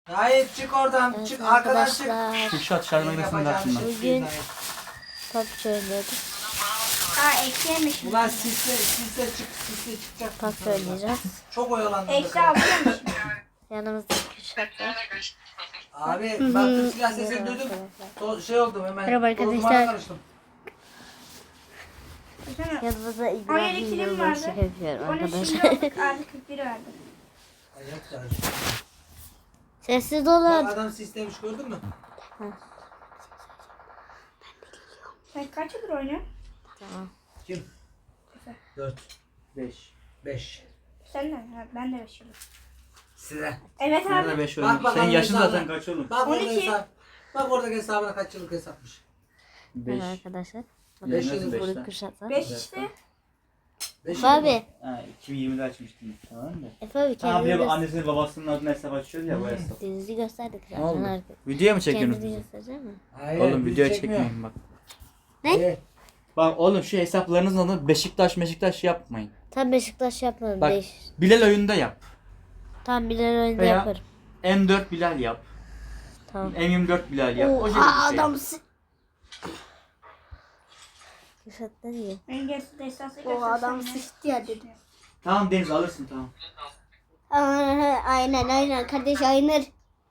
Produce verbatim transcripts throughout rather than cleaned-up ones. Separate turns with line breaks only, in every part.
Hayır çık oradan
Evet,
çık arkadan çık.
arkadaşlar.
Kürşat şarj makinesini ver şundan.
Bugün top söylüyoruz.
Aa eksi yemiş.
Ulan sisle sisle çık sisle çıkacak.
Top söyleyeceğiz.
Çok oyalandım.
Eksi altı yemiş.
Yanımızda Kürşat var.
Abi baktım silah sesini duydum. To- şey oldum hemen.
Merhaba
Dolabıma
arkadaşlar.
karıştım.
Yanımızda
on yedi
İbrahim
kilim
Yılmaz
vardı.
yapıyorum
on üç
arkadaşlar.
kilo aldık. Artı kırk bir verdi.
Ayak karıştı.
Sessiz
Bak
olun.
adam sislemiş gördün mü?
Sen kaç yıldır oynuyorsun?
Tamam.
Kim? Dört.
beş.
Beş.
Sen de. Ha, ben de beş yıldır.
Size.
Evet
Nerede
abi.
beş
Bak
oynuyor?
bakalım
Senin yaşın
hesabına.
zaten kaç oğlum?
Bak
on
orada
iki.
hesap. Bak oradaki hesabına kaç yıllık hesapmış.
Evet
beş.
arkadaşlar.
Beş
Nasıl
yıl
beş
Burada
lan?
Kürşat var.
beş işte.
Beş
Efe
yıl mı?
abi.
Ha, iki bin yirmide açmıştım. Tamam mı?
Efe abi
Ha,
kendini
bir de
göster.
annesinin babasının adına hesap açıyoruz ya bu hesap.
Denizi gösterdik zaten.
Ne oldu?
Arka-
Video mu
Kendini
çekiyorsunuz?
gösterecek mi?
Hayır,
Oğlum
bizi
video
çekmiyor.
çekmeyin bak.
Ne?
Hayır.
Bak oğlum şu hesaplarınızın adını Beşiktaş Beşiktaş yapmayın.
Tam Beşiktaş yapmadım.
Bak
Beş.
Bilal oyunda yap.
Tam Bilal oyunda
Veya-
yaparım.
M dört Bilal yap.
Tamam.
M yirmi dört Bilal yap. O şekilde
Aa
bir şey.
adamsın. Kürşat ne diyor?
En gerisi de esası
O adam sıçtı ya dedi.
Tamam Deniz alırsın tamam.
Aa, aynen aynen kardeş aynen.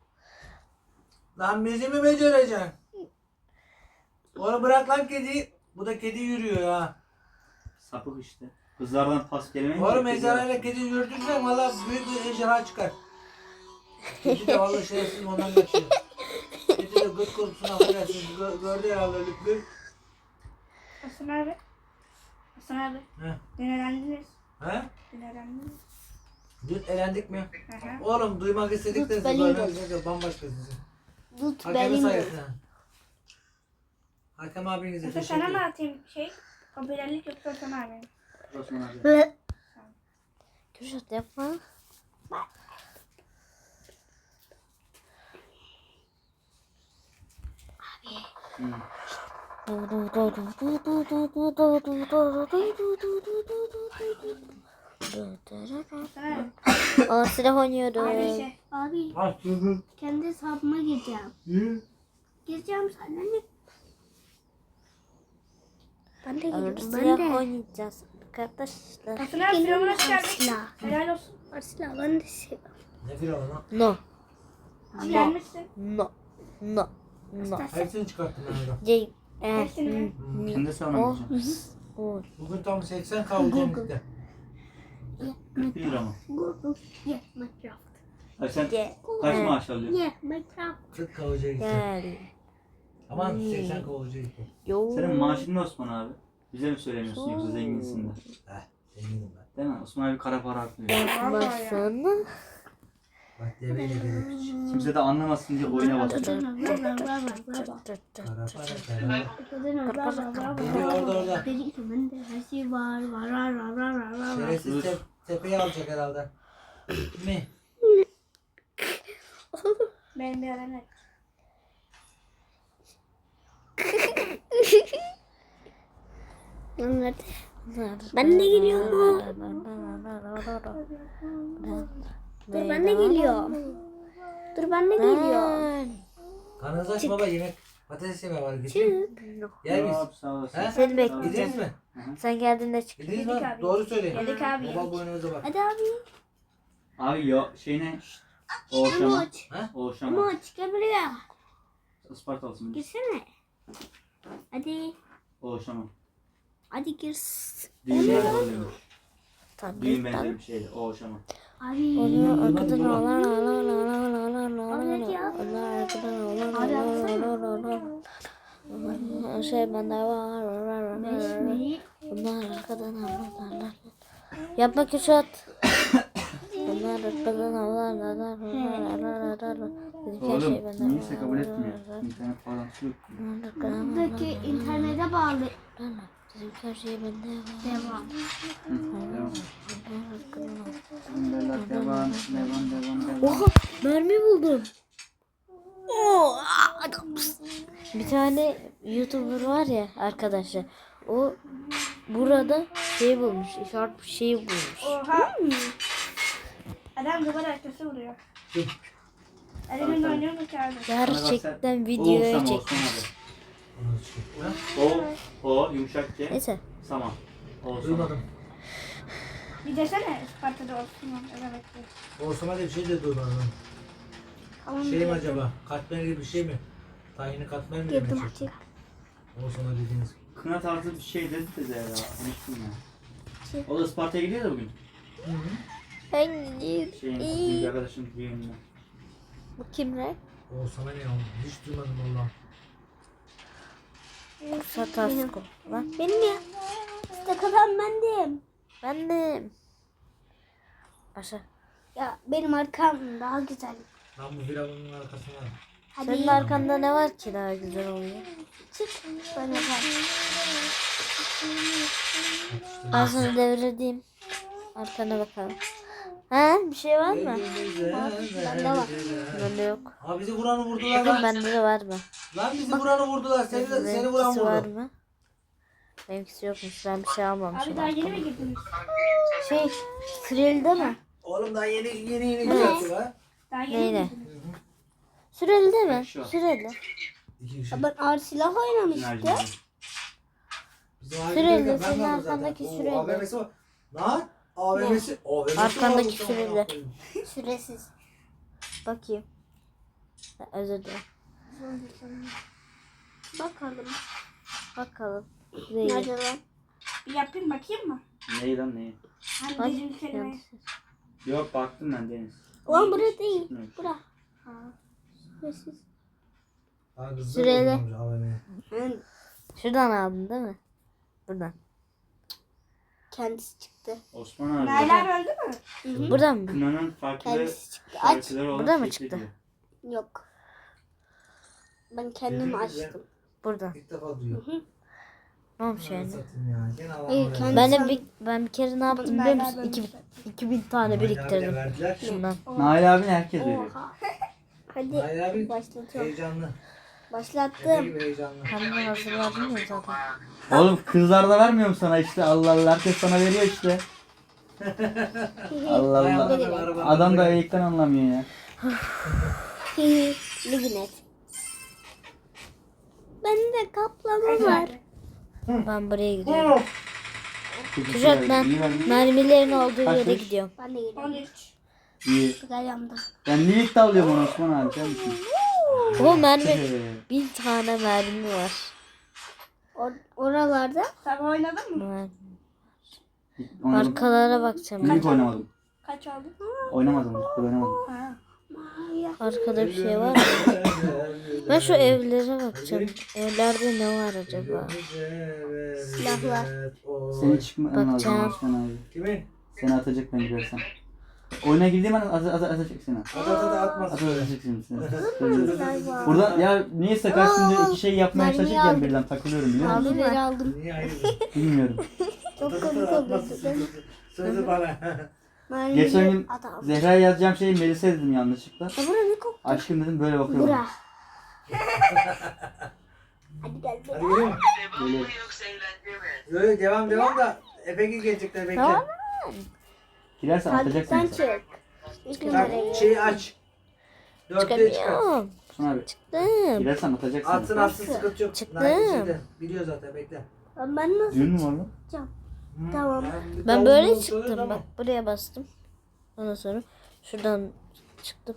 Lan bizi mi becereceksin? Onu bırak lan kediyi. Bu da kedi yürüyor ya.
Sapık işte. Kızlardan pas kelimeyi
Oğlum ejderhayla kedi yürütürsen valla büyük bir ejderha çıkar. Kedi de valla şerefsiz ondan kaçıyor. Kedi de gıt korkusuna affedersin. Gö gördü herhalde lüklü.
Hasan abi. Hasan abi.
He?
Dün elendiniz.
He?
Dün elendiniz.
Dün elendik mi?
Hı hı.
Oğlum duymak istedik de siz
benim
böyle
de.
güzel bambaşka sizin.
Tut
Hakemi
benim de.
sayesinde. Hakem abinize
Hasan
teşekkür
sana mı
ederim.
atayım şey? Popülerlik yoksa Hasan abi.
Osman abi.
Hı. Kürşat yapma.
Hı.
Hasan abi.
Aa silah oynuyoruz.
Abi şey.
Abi
Ha, hı hı.
kendi hesabıma gireceğim.
Hı.
Gireceğim sana ne? Ben de
Orada
gireceğim. Ben
silah
de.
oynayacağız arkadaşlar.
Hasan abi firavuna çıkardık.
Silah.
Helal olsun.
Silah ben de silah.
Ne firavun lan?
No.
Abi gelmişsin.
No. No. No.
Hepsini çıkarttım ben orada.
C E
Hepsini mi?
Kendi savunamayacağım.
O.
Bugün tam seksen kavuşacağım gitti.
Bir lira mı?
Google. Yeah, Minecraft.
Ay sen
C
kaç maaş alıyorsun?
Yeah, Minecraft.
kırk kavuşacağım gitti.
Gel.
Aman seksen kavuşacağım gitti.
Yo.
Senin maaşın ne Osman abi? Bize mi söylemiyorsun yoksa zenginsin de?
Heh, zenginim ben.
Değil mi? Osman abi kara para aklıyor.
Yapmasana.
Bak deveyle gelip hiç.
Kimse de anlamasın diye oyuna basıyor.
Kara para kara. Geliyor orada orada.
Dedi ki bende her şey var. Var var var var var var.
Şerefsiz te tepeyi alacak herhalde. Mi?
Benim bir adam yok.
Nerede? Ben de geliyorum. Dur ben de geliyorum. Dur ben de geliyorum.
Karnınızı aç baba yemek. Patates yemeği var gidin. Yer miyiz?
Yok, sağ olasın.
He?
Seni
Gidiniz
bekleyeceğim.
mi?
Sen geldiğinde çık.
Gidiniz
Yedik
mi?
abi.
Doğru söyleyin.
Yedik abi,
Baba
yedik.
boynunuza bak.
Hadi abi.
Abi yo şey ne? Oğuşama.
Emoç.
Ha?
Oğuşama.
Emoç gel buraya.
Ispartalısın.
Girsene. Hadi.
Oğuşama.
Hadi gir.
Düğünler oluyormuş.
Tabii.
Düğün benzeri bir şeydi. Oğuşama.
Abi.
Onu arkadan ağlar ağlar ağlar ağlar ağlar
Abi ya.
ağlar arkadan ağlar
Abi
ağlar
atsana.
ağlar ağlar. Şey bende var var var
Beş
var.
mi?
Bunlar arkadan ağlar ağlar. Yapma Kürşat. Bunlar arkadan ağlar ağlar ağlar ağlar ağlar. Dedik her şey
Oğlum
bende
niyeyse
var,
kabul
var,
etmiyor.
var,
İnternet bağlantısı yok.
var. Arkadan
Buradaki internete bağlı.
ağlar. Dedik her şey bende var.
Devam.
Devam.
Arkadan ağlar.
Devam. Devam. Devam. Devam.
Oha mermi buldum. Oo, adamsın. Bir tane YouTuber var ya arkadaşlar. O burada şey bulmuş. İşaret bir şey bulmuş.
Oha. Adam duvar arkası vuruyor. Elimde oynuyorum ki abi.
Gerçekten
O
videoya
Osman,
çek.
Osman abi.
Onu çıkıyor.
O, o yumuşak G.
Neyse.
Saman. O Osman.
Duymadım.
Bir desene Isparta'da olsun. Evet.
Borsama diye bir şey de duymadım. Şey mi acaba? Katmer gibi bir şey mi? Tayini katmer mi demek?
Girdim açık.
Borsama dediğiniz.
Kına tarzı bir şey dedi de ya. Unuttum ya. O da Isparta'ya gidiyor da bugün.
Hangi?
Şeyin,
İyi.
bir arkadaşın düğününe.
Bu kim lan?
Borsama ne oğlum? Hiç duymadım valla.
Satasko. Lan
Benim ya. İşte kazan bendim.
ben de. Başa.
Ya benim arkam daha güzel.
Lan bu firavunun arkasına.
Hadi
Senin arkanda ne var ki daha güzel oluyor?
çık. Bana bak.
Ben sana devredeyim. Arkana bakalım. Ha bir şey var mı?
Bende var.
Bende yok.
Ha bizi vuranı vurdular
Bakın
lan.
bende de var mı?
Lan bizi vuranı vurdular. Seni, de, seni vuran
Benimkisi var
vurdu.
mı? Benimkisi yokmuş. Ben bir şey almamışım.
Abi daha yeni mi girdiniz?
Şey, süreli değil mi?
Oğlum daha yeni yeni yeni düzelttik ha.
Daha yeni
Neyle?
mi girdiniz?
Süreli değil mi?
Şu an.
Süreli.
İki kişi.
Ya ben ağır silah oynamıştım.
Enerji.
Bizim
Süreli,
ailede ben
senin
varım zaten.
arkandaki
Oo,
süreli.
A V M'si var. Lan A V M'si. A V M'si
Arkandaki
varmış,
süreli.
amına koyayım.
Süresiz.
Bakayım. Ha, özür dilerim.
Bakalım.
Bakalım. Değil.
Nerede lan?
Bir yapayım bakayım mı?
Neyi lan neyi?
Hani
Bak.
dediğim kelimeyi.
Yok baktım ben Deniz.
Ulan burası değil.
Çıkmıyormuş.
Bura. Ha. Süresiz.
Ha, kızlar
Süreli.
vurulmamış A V M'ye.
Hı.
Şuradan aldın değil mi? Buradan.
Kendisi çıktı.
Osman abi.
Nail öldü mü?
Buradan mı?
Kınanın farklı
Kendisi çıktı. Aç.
şarkıları olan
Burada mı
şekli
çıktı?
diyor.
Yok. Ben kendim
Yürü,
açtım.
Buradan.
İlk defa duyuyor.
Ne olmuş yani?
Satayım ya. Gene Allah'ım
Hayır,
oraya.
kendi-
Ben de bir, ben bir kere ne yaptım biliyor
Nail
musun?
abi
İki,
ölmüş.
iki bin tane
Nail abiyle
biriktirdim.
verdiler.
Şundan.
Nail abini herkes veriyor.
Oha. Hadi
Nail abi
başlatıyorum.
heyecanlı. Efe
Başlattım.
gibi heyecanlı.
Hem de hazırladım ya zaten.
Oğlum kızlar da vermiyor mu sana işte? Allah Allah herkes sana veriyor işte. Allah
Hay
Allah.
Allah, araba-
Adam da eğikten anlamıyor ya.
Liginet. Bende kaplama var.
Ben buraya gidiyorum.
Çok
Kuşat
güzel,
ben
iyi vermiş.
mermilerin olduğu yere
Kaçmış?
gidiyorum.
Ben de geliyorum.
on üç.
İyi.
Güzel yandım.
Ben niye ilk alıyorum onu Osman abi biliyor musun?
O mermi, bin tane mermi var.
Or oralarda
Sabah oynadın mı?
Mer-
Oynadım.
Arkalara bakacağım.
İlk oynamadım.
Kaç aldın?
Oynamadım. İlk oynamadım.
Ha.
Arkada bir şey var mı? Ben şu evlere bakacağım. Evlerde ne var acaba?
Silahlar.
Seni çıkman lazım
Bakacağım.
Osman abi.
Kimin?
Seni atacak ben gidersen. Oyuna girdiğim an at, at, atacak seni.
At at at atmaz.
At atacak seni. seni. Burada ya niyeyse karşımda iki şey yapmaya
mermiyi
çalışırken
aldım.
birden takılıyorum biliyor musun?
Aldım beri aldım.
Niye hayır?
Bilmiyorum.
Çok
At at
komik
at
oldu.
atmaz. Sözü bana.
Geçen gün
Adam.
Zehra'ya yazacağım şeyi Melis'e dedim yanlışlıkla.
Ya bura ne koktu?
Aşkım dedim böyle bakıyorum.
Bura. Hadi gel
Hadi
gel.
geliyor mu?
Böyle.
Yok yok devam devam da Efe gelecekler bekle.
Tamam.
Girersen atacak
Takipten
seni.
çık. Üç
Bak
numarayı.
şeyi aç. Dörtlüğü çıkar.
Çıkamıyorum.
Osman abi.
Çıktım.
Girersen atacak seni.
Atsın atsın sıkıntı yok.
Çıktım.
Nail şeyde, biliyor zaten bekle.
Lan ben nasıl?
Düğün mü var lan?
Tamam.
bir
Ben
tavuğun
böyle
olduğunu
çıktım
söyle,
bak. Buraya bastım. Ondan sonra şuradan çıktım.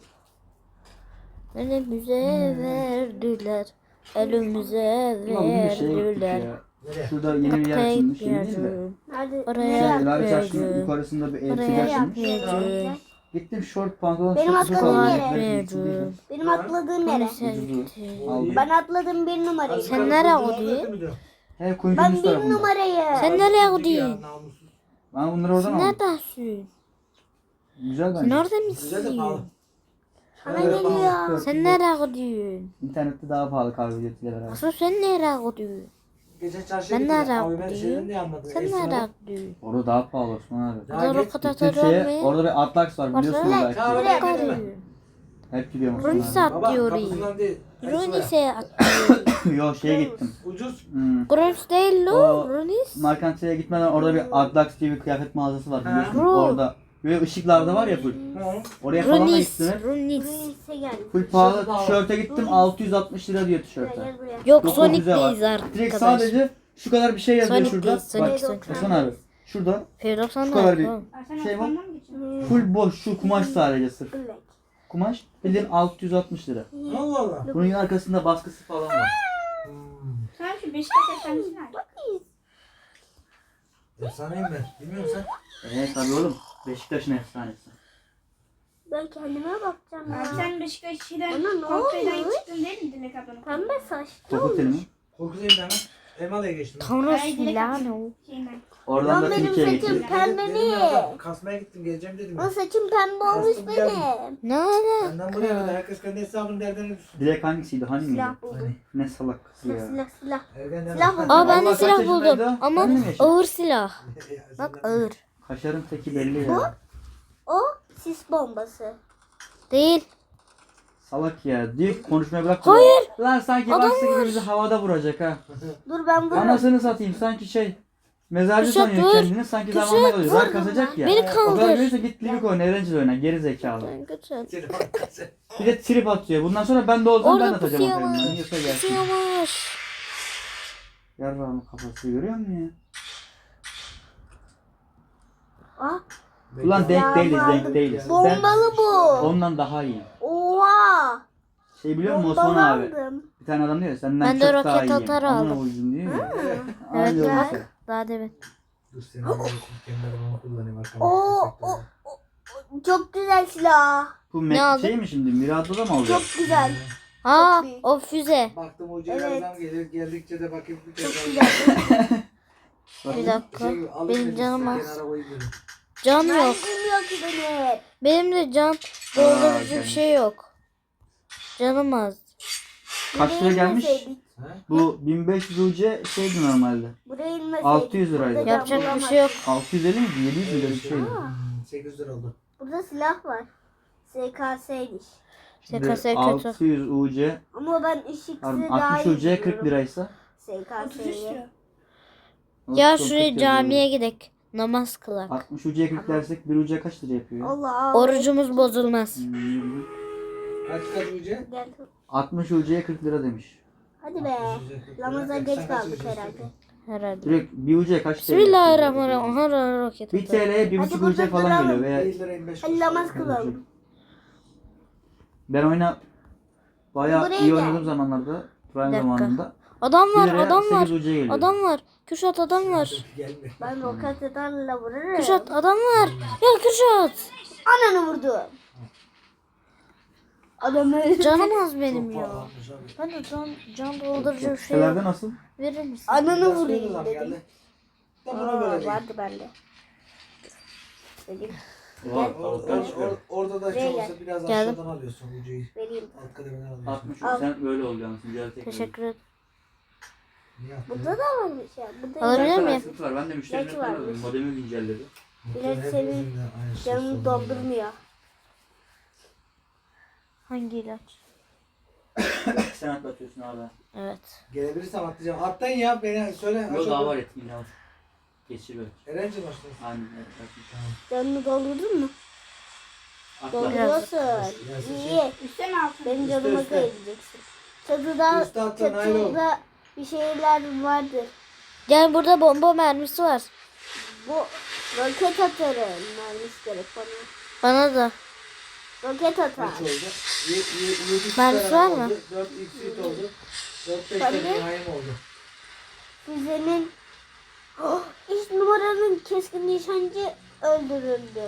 Elimize verdiler. Elimize
Ulan bugün şeye gittik
verdiler.
ya.
Nereye?
Şurada yeni bir yer
Kapıya
açılmış. Yeni değil de.
gitmiyordum.
Nerede?
Oraya
Şey, Lale Çarşı'nın
gitmiyordum.
yukarısında bir elbise
Oraya
açılmış.
gitmiyordum.
Gittim şort pantolon
Benim
şort
atladığım
falan
yere.
ayakları giydim.
Gitmiyordum.
Benim atladığım yere.
Sen
Ucuzu.
gittin.
Aldım.
Ben atladım bir numarayı.
Sen nereye gidiyorsun?
gidiyorsun?
He kuyunun
Ben
üst
bir
tarafında.
numarayı.
Sen nereye gidiyorsun?
Ben bunları oradan
Sen
aldım.
neredesin?
Güzel
Sen
bence.
orada
Güzel de pahalı.
mısın?
Bana geliyor.
Sen nereye gidiyorsun?
İnternette daha pahalı kahve ücretiyle beraber.
Asıl sen nereye gidiyorsun?
Geçen çarşıya
Ben
gittim.
nereye
Abi ben
gidiyorum?
şeyden de anladım.
Sen
Esnafı-
nereye gidiyorsun?
Orada daha pahalı Osman abi.
Ya
Orada
git,
o kadar
Gittim
da
şeye,
olmuyor.
orada bir Atlax var biliyorsunuz
Orada-
belki.
Kahve
Buraya
getirme.
gidiyorum.
Hep gidiyorum
Runi
Osman
saat
Baba
diyor.
kapısından değil. Hepsi
Runi'se
abi. Yo şeye gittim.
Ucuz.
Hmm.
Grunch değil
O-
lo. Runis.
Markantiye gitmeden orada bir Atlax diye bir kıyafet mağazası var biliyorsunuz.
Bro.
Orada Böyle ışıklarda var ya full.
Hı.
Oraya falan da
Runis.
gittim.
Runis.
Neyse gel.
Full pahalı tişörte gittim altı yüz altmış lira diyor tişörte.
Gel buraya.
Yok
Dokuz
Sonic'teyiz
yüze var. Direkt
arkadaş.
sadece şu kadar bir şey yazıyor
Sonic'teyiz,
şurada.
Sonic'teyiz.
Bak Hasan abi. Şurada
Firdevs'tan
şu
da
kadar bir
tamam.
Aa, sen
şey var.
Osman'dan mı geçiyorsun?
Full boş şu kumaş sadece sırf.
Black.
Kumaş bildiğin altı yüz altmış lira.
Allah Allah.
Bunun arkasında baskısı falan var.
Hmm.
Sen şu Beşiktaş efsanesini al.
Efsaneyim ben. Bilmiyor musun sen?
Evet tabii oğlum. Beşiktaş'ın efsanesi.
Ben kendime bakacağım ya.
Abi sen Beşiktaş'tan
Bana ne
Korkutay'dan
olmuş?
çıktın değil mi Dilek ablanın?
Pembe saç.
Topuk telimi.
Korkutayım da hemen. Elmalı'ya geçtim.
Tanrı
Ay, Dilek
Milano.
Şeyinden.
Oradan
Lan
da
benim
Türkiye'ye
saçım
geçtim.
pembe
Dedim
mi?
ya, kasmaya gittim geleceğim dedim.
O
ya.
saçım pembe olmuş
Bastım geldim.
benim.
Ne ala?
Benden buraya kadar herkes kendi hesabının derdine düşsün.
Dilek hangisiydi? Hani miydi?
Silah buldum.
Ne salak kız
Silah
ya.
silah silah.
Ergenler.
Silah buldum.
Aa ben de
Vallahi
silah
kaç
buldum.
yaşındaydı?
Ama
Ben de mi yaşadım?
ağır silah. Bak ağır.
Kaşarın teki belli ya.
O sis bombası.
Değil.
Salak ya. Diyor ki konuşmaya bırak.
Hayır.
Lan sanki
Adam
baksa
var.
gibi bizi havada vuracak ha.
Dur ben vururum.
Anasını satayım sanki şey. Mezarcı
Kuşat
sanıyor
dur.
kendini sanki
Kuşat
zamanla oluyor.
vur.
Rank kasacak ya.
Beni
O kadar
kaldır.
görürse git Livik oyna, Erencil oyna. Geri zekalı.
Kaçın.
Bir de trip atıyor. Bundan sonra ben de olsam ben de
Orada
atacağım o
pusuyormuş.
filmden. Yiyorsa gelsin.
Pusuyormuş.
Yarrağımın kafası görüyor musun ya?
Ah,
Ulan denk
Ya
değiliz,
vardım.
denk değiliz. Sen
bombalı bu.
ondan daha iyi.
Oha.
Şey biliyor musun
Bombalı
Osman abi?
aldım.
Bir tane adam diyor ya, senden
Ben de
çok
roket
daha iyiyim.
atar
Amına
aldım.
koydum diyor ya.
Evet
Aynı
bak.
olmuş.
Daha demin.
Dur seni alayım. Kendilerimi kullanayım. arkama.
Oo, o, o, o- çok güzel silah.
Bu
Ne
Mac
aldın?
şey mi şimdi? Mirados'da mı alıyor?
Çok güzel.
Aa
büyük.
o füze.
Baktım hocaya
Evet.
adam gelir. Geldikçe de bakayım. Bir
Çok
kez
güzel.
Bir dakika.
Şey, alıp
Benim
beni
canım az.
kenara koyuyorum.
Can
Ben
yok.
bilmiyor ki beni.
Benim de can doldurucu
Aa,
bir şey yok. Canım az.
Kaç lira gelmiş?
İnmeseydik,
Ha?
Bu bin beş yüz U C şeydi normalde.
Buraya inmeseydik.
altı yüz liraydı.
burada
Yapacak
can
bir şey yok.
altı yüz elli miydi? yedi yüz lira bir şeydi.
Hmm, sekiz lira oldu.
Burada silah var. S K S'ymiş.
Şimdi
S K S kötü.
altı yüz U C,
Ama ben ışıksız
pardon,
daha
altmış
iyi
U C kırk
biliyorum.
liraysa.
S K
otuz üç
S'ye.
diyor.
Ya
otuz,
şuraya
kırk
camiye gidek. Namaz kılak.
yazıyor. altmış U C'ye kırk dersek bir U C kaç lira yapıyor? ya?
Allah.
Orucumuz bozulmaz.
Hmm,
Kaç kaç ucu?
Gel.
altmış U C'ye kırk lira demiş.
Hadi be. Namaza geç kaldık herhalde.
Herhalde.
Direkt bir U C kaç lira?
Bismillahirrahmanirrahim. Aha roket
Bir
atar.
T L'ye bir
Hadi
buçuk U C
burada
falan
duralım.
geliyor. Veya
bir lira yirmi beş
Hadi
kuruş.
namaz kılalım.
ben oyna bayağı
Buraya
iyi
gel.
oynadığım zamanlarda, prime
dakika.
zamanında.
Adam
bir
var,
liraya
adam var.
sekiz U C geliyor.
Adam var. Kürşat adam var.
Gelme.
Ben roket atarla vururum.
Kürşat adam var. Ya Kürşat.
Ananı vurdu. Adamı
Canım az benim ya.
Pahalanmış abi.
Ben de can, can doldurucu bir şey
Sitelerde
yok.
nasıl?
Verir misin?
Ananı
Biraz
vurayım
sinirli lan
dedim.
geldi. Da buna
Aa,
böyle değil.
vardı bende. Dedim.
Var.
Or- or- or- Orada da
Buraya
şey
gel.
olsa biraz
Geldim.
aşağıdan alıyorsun ucuyu.
Vereyim.
Alt kademeden alıyorsun.
altmış
Al.
sen böyle olacaksın. Güzel tekrar.
Teşekkür ederim.
Niye attın?
Burada da varmış ya. Burada
Alabilir
ya.
miyim?
Sıkıntı var. Ben de müşterilerine
Gerçi
falan
varmış.
alıyorum. Modemi güncelledi.
Bilet
Hepimizin
senin
de aynı şey
canını
sorunu
doldurmuyor.
Hangi ilaç?
Sen atlatıyorsun abi.
Evet.
Gelebilirsem atlayacağım. Atlayın ya beni söyle.
Yok daha var etkinliği al. Geçir böyle.
Erenci başlasın.
Aynen evet. atlatın.
Canını doldurdun mu?
Atla.
Dolduruyorsun.
Biraz.
İyi.
Üstte mi altın?
Benim
Üstte,
canıma
üstte.
kayıracaksın. Çatıda,
Üstte atın, hayır ol.
çatıda bir şeyler vardır.
Gel burada bomba mermisi var.
Bu roket atarı mermisi gerek bana.
Bana da.
Roket atar.
Kaç oldu? Y- y- yedi
Mermisi
tane
var mı?
oldu. dört x oldu. dört beş
Ben
tane
de-
nihayem oldu.
Füzenin oh, iş numaranın keskin nişancı öldürüldü.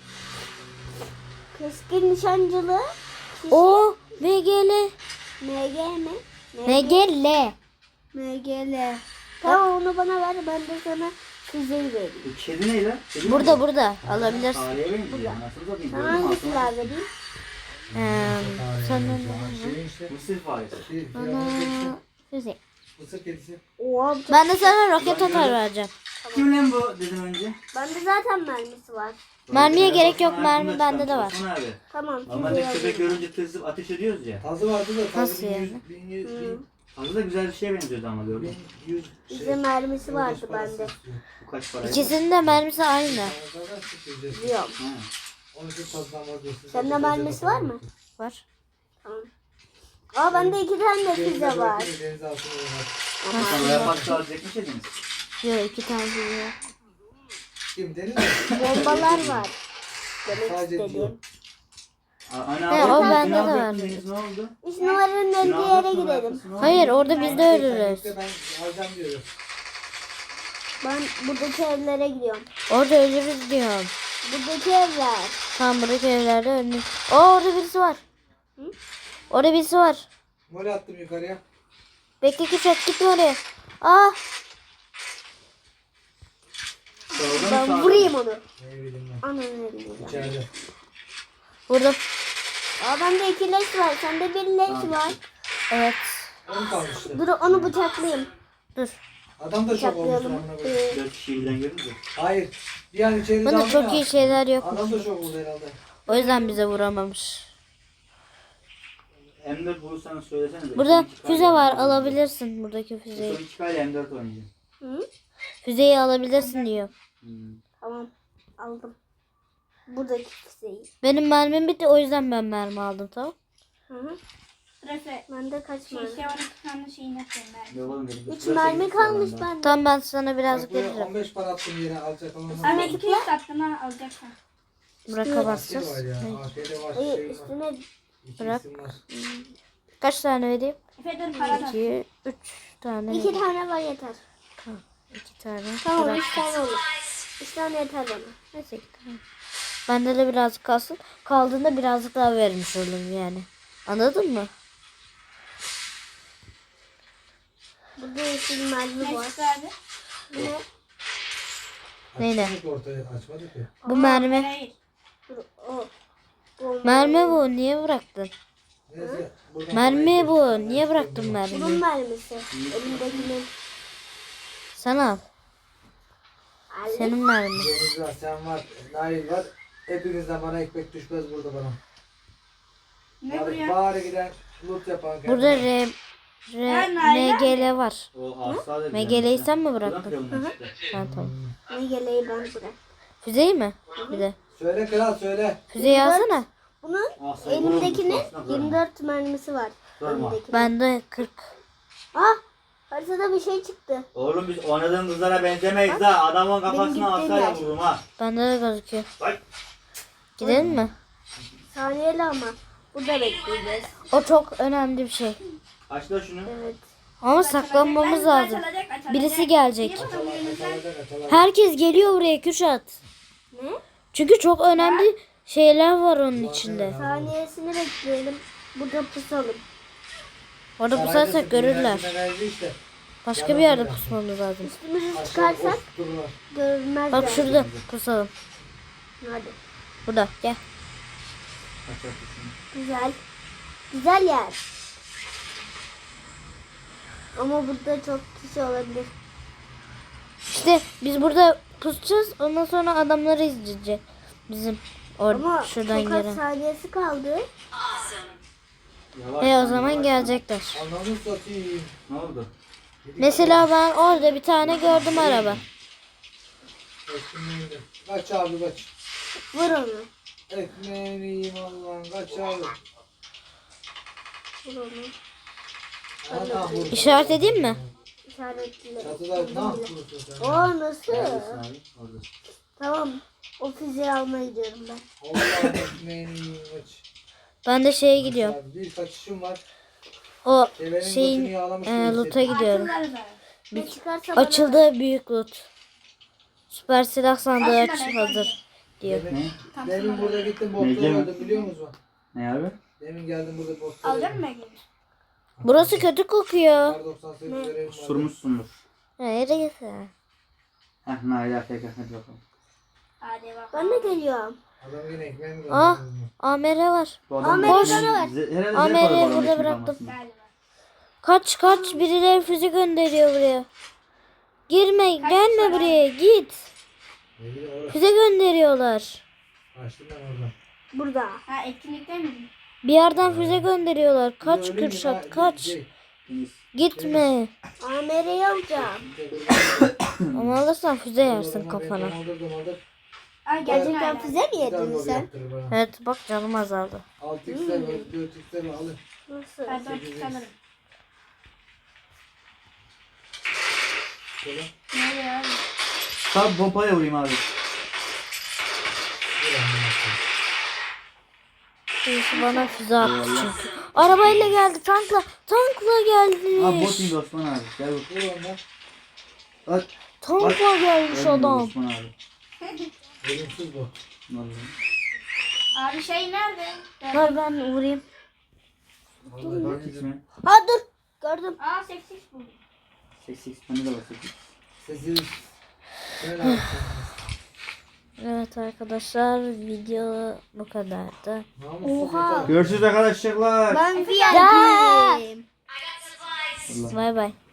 Keskin nişancılı kişi
O M G L.
M G mi?
M G L.
M G L. Tamam onu bana ver ben de sana füzeyi vereyim.
Bu kedi ne lan? Kedi mi
Burada
bu?
burada alabilirsin.
Fareye benziyor. Nasıl satayım?
Sana
Gördün mü?
hangi
Altına-
silah vereyim?
Ee, senden
Şey işte.
Mısır faresi.
Bir
bana
firavun
füze.
Mısır kedisi.
Oha,
Ben de sana roket atar vereceğim.
Kim lan bu dedim önce.
bende zaten mermisi var.
Mermiye
Böyle
gerek yok,
Osman
mermi
aklımda
bende de var.
çıkan Osman abi.
Tamam
Normalde
füzeyi
köpek
alayım.
görünce tırsıp ateş ediyoruz ya.
Tazı vardı da tazı
Nasıl
bin yüz,
yani?
bin yüz,
Hı.
bin,
Aslında da güzel bir şeye benziyordu ama gördüm.
bin yüz
Bize
şey,
mermisi
yoldaş
vardı
parası
bende.
istiyor.
Bu kaç paraydı?
İkisinin de mermisi aynı.
Zaten sıkılacak.
Biliyorum.
Ha.
Onun için fazla vazgeçsin.
Sende
Zaten
mermisi
ceza
var mı?
yok.
Var.
Tamam. Aa bende iki tane de
Denize
pizza var.
bırakın, denize altına oynar.
Sen oraya pasta alacak mı dediniz?
Yok iki tane var.
Kim deniz mi?
Bombalar var. Demek
Sadece
istediğim.
diyor.
Anne
He,
abi,
o
siz
bende de
ne
var.
yapacaksınız? Ne oldu?
Üç numaranın
Ne
öldüğü yere
yapacaksınız?
gidelim.
Yapıyorsun, ne oldu?
Hayır orada biz de
Sen
ölürüz.
gitme, ben alacağım diyorum.
Ben buradaki evlere gidiyorum.
Orada ölürüz diyorum.
Buradaki evler.
Tam buradaki evlerde ölürüz. Aa orada birisi var.
Hı?
Orada birisi var.
Mole attım yukarıya.
Bekle ki çok gitme oraya. Aa
Solda mı,
Ben
sağda mı?
vurayım onu.
Ne bileyim ben.
Ananı elini.
İçeride.
burada.
Aa bende iki leş var. Sende bir leş
Tamam.
var.
Evet.
On kalmıştı.
Dur onu bıçaklayayım.
Dur.
Adam da çok olmuş
Bıçaklayalım.
amına koyayım.
Ee,
Dört kişiyi birden görünce.
Hayır. Bir an içeri
Bunda
daldı
çok
ya.
iyi şeyler yok.
Adam da çok oldu herhalde.
O yüzden bize vuramamış.
M dört bulursanız söylesenize.
Burada
Son iki
füze
kale
var.
M dört oynayacağım.
Alabilirsin buradaki
Son
füzeyi.
iki kale M dört oynayacağım.
Hı?
Füzeyi alabilirsin diyor.
Hmm.
Tamam. Aldım. Buradaki füzeyi.
Benim mermim bitti o yüzden ben mermi aldım tamam.
Hı hı.
Burası
Bende kaç
şey
mermi?
şey var iki tane şeyini yapıyorum ben.
Yok oğlum dedim.
Üç
Burası
mermi
eksik
kalmış
var bende.
bende.
Tamam ben sana birazcık
Bak buraya
veririm.
on beş para attım yere alacak olan.
Ahmet iki yüz attın ha alacaksın.
Bırak
Askeri
basacağız.
var ya. A K D var.
Hayır
Şey var.
üstüne
İki
Bırak.
isim var.
Kaç tane vereyim?
Efe dur para da.
iki, üç tane.
iki tane var yeter.
iki tane.
Tamam
Bırak.
üç tane olur. Üç tane yeter bana.
Neyse iki tane. Bende de birazcık kalsın. Kaldığında birazcık daha vermiş olurum yani. Anladın mı?
Burada yeşil mermi
Ne
var.
çıktı abi?
Bu ne?
Neyle?
Açmadık ortaya açmadık ya.
Bu mermi.
Hayır.
Dur o. Bomba.
Mermi bu. Niye bıraktın?
Neyse. buradan
Mermi
parayı
bu.
koy.
Niye bıraktın
Bunun
mermiyi?
mermisi. Elimdekinin.
Sen al.
Aldım.
Senin mermin.
Deniz var, sen var, Nail var. Hepinizden bana ekmek düşmez burada bana.
Ne
Bari,
buraya?
bari giden loot yapan kendine.
Burada R, R,
Ya, Nail
M G L var.
O asla da
M G L'yi sen mi
Buradan
bıraktın?
kırılmış işte.
Ha, tamam.
Ne geleği ben bırak.
Füzeyi mi? Bir de.
Söyle kral söyle.
Füzeyi alsana.
Bunun
Asla
elimdekinin
vurulmuş, aslında
yirmi dört mermisi var.
Durma.
Elimdekinin.
Bende kırk.
Ah! Haritada bir şey çıktı.
Oğlum biz oynadığın kızlara benzemeyiz ha. Adamın
Benim
kafasına
gittiğim
asayla
yer.
vururum ha.
Bende de gözüküyor.
Bak.
Gidelim mi?
Saniyeli ama. Burada bekleyeceğiz.
O çok önemli bir şey.
Aç da şunu.
Evet.
Ama saklanmamız lazım. Birisi gelecek.
Açılacak açılacak.
Herkes geliyor buraya Kürşat.
Ne?
Çünkü çok önemli şeyler var onun içinde.
Saniyesini bekleyelim. Burada pusalım.
Orada pusarsak görürler.
Işte.
Başka bir yerde pusmamız lazım.
Üstümüzü çıkarsak
Dururlar.
görünmezler.
Bak şurada pusalım.
Hadi.
Burada gel.
Aç aç şunu.
Güzel. Güzel yer. Ama burada çok kişi olabilir.
İşte biz burada pusacağız. Ondan sonra adamları izleyeceğiz. Bizim
Ama
orada şuradan
çok az
gelen.
saniyesi kaldı.
Yavaş
E o
lan,
zaman
yavaş.
gelecekler.
Ananı satayım.
Ne oldu?
Mesela ben orada bir tane gördüm araba.
Ekmeğini. Kaç abi kaç.
Vur onu.
Ekmeğini yiyeyim Allah'ım kaç abi.
Vur onu.
Ana vurdu.
İşaret edeyim mi?
İşaretli.
Çatıda ne yapıyorsun sen?
O nasıl?
Neredesin abi? Orada.
Tamam. O füzeyi almaya gidiyorum ben.
Allah'ım ekmeğini yiyeyim kaç.
Ben de şeye gidiyorum.
Abi, bir kaçışım var.
O
Devenin
şeyin
götünü yağlamış
e,
gibi
loot'a
hissettim.
gidiyorum.
Atılları da.
Ne çıkarsa bana ver.
Açıldı büyük loot. Süper silah sandığı
Aslında
aç
ben-
hazır diyor.
Demin,
Tam
demin
sana
burada gittim
Nece
botları
mi?
öldüm biliyor musun?
Ne abi?
Demin geldim burada botları
Alacak
öldüm.
mı Ege?
Burası kötü kokuyor.
Kar doksan sekiz görevim vardı.
Surmuşsundur.
Neresi?
Heh Nail Afk hadi bakalım.
Hadi bakalım.
Ben de geliyorum.
Adam yine ekmeğimi
Ah.
gönderdi.
A M R var.
Bu
Ahmet,
da-
bana ver.
Ze- herhalde
Ahmet'i
zevk alıyor bu
burada
adamın
bıraktım.
içinde
Galiba.
Kaç kaç birileri füze gönderiyor buraya. Girme
Kaç
gelme
para?
buraya git.
Ne bileyim orası.
Füze gönderiyorlar.
Kaçtım ben oradan.
Burada.
Ha etkinlikte mi?
Bir yerden füze gönderiyorlar.
Bir de
Kaç
ölünce
Kürşat
ben-
kaç.
şey,
Deniz.
Gitme.
A M R'yi alacağım.
Ama alırsan füze yersin kafana.
Aldır aldır.
Ay
Gerçekten
gerçekten
füze mi yedin sen?
Evet bak canım azaldı.
altı x'ler var, dört x'ler var, alın.
Nasıl?
Ben dört sanırım.
Şöyle.
Nereye abi?
Sağ pompaya vurayım abi.
Birisi bana füze attı çünkü. Arabayla geldi tankla. Tankla geldi.
Abi bot indi Osman abi. Gel bak.
Vur ondan.
Bak.
Tankla gelmiş
Ölmüyor
adam.
Osman abi.
Ölümsüz bu.
Vallahi.
Abi şey nerede?
Ver ben vurayım.
Vallahi
Bak
ben
hiç
de-
mi?
Ha dur. Gördüm.
Aa sekiz buldum.
Seks seks. Bende de var sekiz.
Sesini. Şöyle al.
Evet arkadaşlar video bu kadardı.
Namussuz
Oha.
yeter.
Görüşürüz arkadaşlar.
Ben V I P'yim.
Allah.
Bay bay.